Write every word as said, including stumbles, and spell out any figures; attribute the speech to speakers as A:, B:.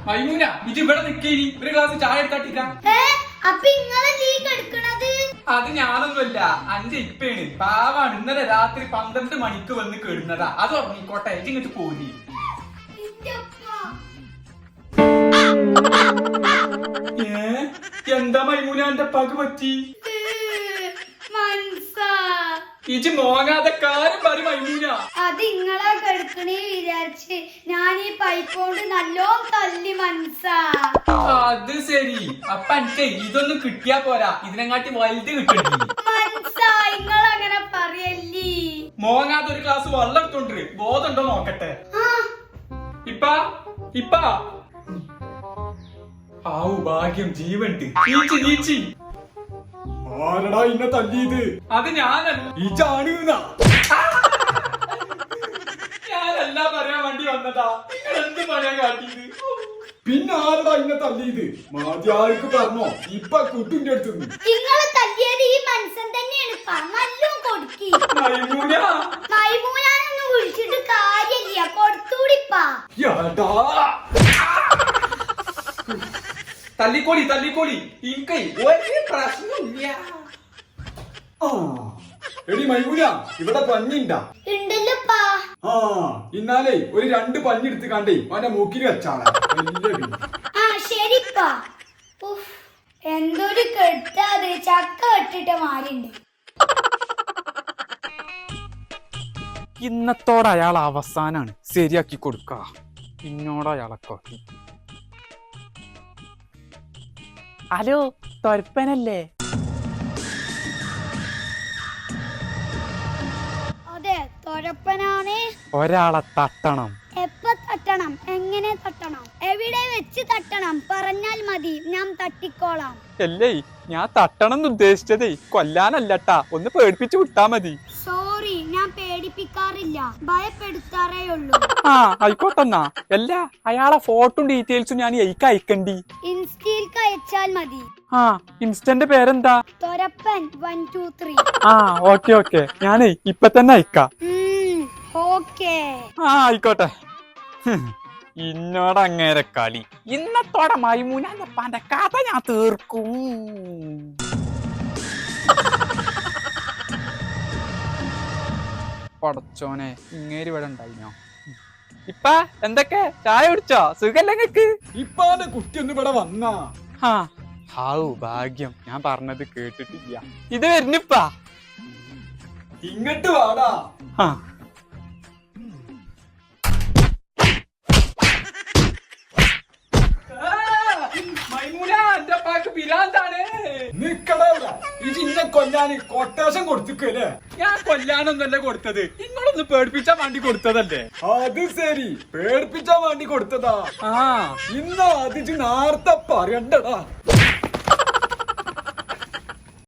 A: മൈമൂന ഇത് ഇവിടെ നിക്കേനി ഒരു ഗ്ലാസ് ചായ എടുത്താട്ടിക്ക. അത് ഞാനൊന്നുമല്ല, അഞ്ച് ഇപ്പേണ് പാവാണ്. ഇന്നലെ രാത്രി പന്ത്രണ്ട് മണിക്ക് വന്ന് കേടുന്നതാ. അത് ഉറങ്ങിക്കോട്ടെ, ഇങ്ങോട്ട് പോരി. ഏ എന്താ മൈമൂന എന്റെ പക പറ്റി? ഇജ് മോങ്ങാതെ കാര്യം പറ മൈമൂന.
B: അത് ഇങ്ങളെ കെടുക്കണേ വിചാരിച്ച് ഞാൻ ഈ പൈപ്പ് കൊണ്ട് നല്ലോ തല്ലി മനസ്സാ.
A: അത് ശരി, അപ്പൊ എനിക്ക് ഇതൊന്നും കിട്ടിയാ പോരാ, ഇതിനെങ്ങാട്ടി വലുത് കിട്ടണ്ടി.
B: മനസ്സാ ഇങ്ങളങ്ങനെ പറയല്ലേ.
A: മോങ്ങാതെ ഒരു ഗ്ലാസ് വെള്ളം എടുത്തോണ്ട് ബോധമുണ്ടോ നോക്കട്ടെ. ഇപ്പ ഇപ്പ ആവു ഭാഗ്യം, ജീവണ്ട്. നീച്ചി നീച്ചി.
C: ആരടാ ഇന്നെ തല്ലിയത്?
A: അത് ഞാനല്ല,
C: ഇജാണ്.
A: ഞാനല്ല പറയാൻ വേണ്ടി വന്നതാ. നിങ്ങൾ എന്ത് പറയാൻ കാട്ടിയത്?
C: പിന്നെ ആരടാ ഇന്നെ തല്ലിയത്? മാധ്യാർക്ക് പറഞ്ഞോ? ഇപ്പൊ കുട്ടിന്റെ അടുത്ത്
B: നിങ്ങളെ തല്ലിയത് ഈ മനുഷ്യൻ തന്നെയാണ്. നല്ലോ കൊടുക്കി.
A: മൈമൂന
B: മൈമൂനാനൊന്നും വിളിച്ചിട്ട് കാര്യമില്ല, കൊടുത്തൂടിപ്പാ.
A: തല്ലിക്കോളി തല്ലിക്കോളി, എനിക്ക് ഒരു പ്രശ്നമില്ല.
C: എടി മൈമൂന, ഇവിടെ പഞ്ഞിണ്ടാ?
B: ഉണ്ടല്ലോപ്പാ.
C: ആ ഇന്നാലേ ഒരു രണ്ട് പഞ്ഞെടുത്ത് കണ്ടേ അവന്റെ മൂക്കിന് വെച്ചാളാ.
B: ആ ശരിപ്പാ. എന്തൊരു കെട്ടാത്, ചക്ക കെട്ടിട്ട മാറിണ്ട്.
D: ഇന്നത്തോടെ അയാൾ അവസാനാണ് ശരിയാക്കി കൊടുക്ക. ഇന്നോട് അയാളൊക്കെ ഹലോ തൊരപ്പനല്ലേ?
B: അതെ തൊരപ്പനാണ്.
D: ഒരാളെ തട്ടണം.
B: എപ്പ തട്ടണം? എങ്ങനെ തട്ടണം? എവിടെ വെച്ച് തട്ടണം? പറഞ്ഞാൽ മതി, ഞാൻ തട്ടിക്കോളാം.
D: അല്ലേ ഞാൻ തട്ടണം എന്ന് ഉദ്ദേശിച്ചതേ കൊല്ലാനല്ലട്ടാ, ഒന്ന് പേടിപ്പിച്ചു വിട്ടാ മതി.
B: സോറി, ഞാൻ പേടിപ്പിക്കാറില്ല, ഭയപ്പെടുത്താറേ ഉള്ളൂ.
D: ആ ആയിക്കോട്ടെന്നാ. അല്ല അയാളെ ഫോട്ടോ ഡീറ്റെയിൽസും ഞാൻ എനിക്ക് അയക്കണ്ടി.
B: ഇൻസ്റ്റയിൽക്ക് അയച്ചാൽ മതി.
D: ആ ഇൻസ്റ്റന്റെ പേരെന്താ?
B: Thorappan one two three.
D: ആ ഓക്കെ ഓക്കെ, ഞാനേ ഇപ്പൊ തന്നെ അയക്കാം.
B: ഓക്കേ
D: ആ ആയിക്കോട്ടെ. ഇന്നോട് അങ്ങേരെ കളി. ഇന്നത്തോടെ മൈമൂനാന്റെ കഥ ഞാൻ തീർക്കും. പടച്ചോനെ, ഇങ്ങേര് ഇവിടെ ഉണ്ടായിനോ? ഇപ്പ എന്തൊക്കെ ചായ കുടിച്ചോ? സുഖല്ലേ നിങ്ങക്ക്?
C: ഇപ്പാന്റെ കുട്ടി ഒന്ന് ഇവിടെ വന്നാ.
D: ആ ഹാവു ഭാഗ്യം, ഞാൻ പറഞ്ഞത് കേട്ടിട്ടില്ല. ഇത് വരുന്നിപ്പാ.
C: ഇങ്ങട്ട് വാടാ.
D: ആ
A: മൈമൂന എന്റെ പാക്ക് പിരാന്താണ്.
C: നിക്കടവിടെ. ഇത് ഇന്നെ കൊല്ലാന് കൊട്ടേഷൻ കൊടുത്തിക്കല്ലേ?
A: ഞാൻ കൊല്ലാനൊന്നല്ല കൊടുത്തത്, നിങ്ങളൊന്ന് പേടിപ്പിച്ചാൻ വേണ്ടി കൊടുത്തതല്ലേ.
C: അത് ശരി, പേടിപ്പിച്ചാൻ വേണ്ടി കൊടുത്തതാ.
A: ആ
C: ഇന്ന അതിച്ച് നേരത്തെ പറയണ്ടടാ.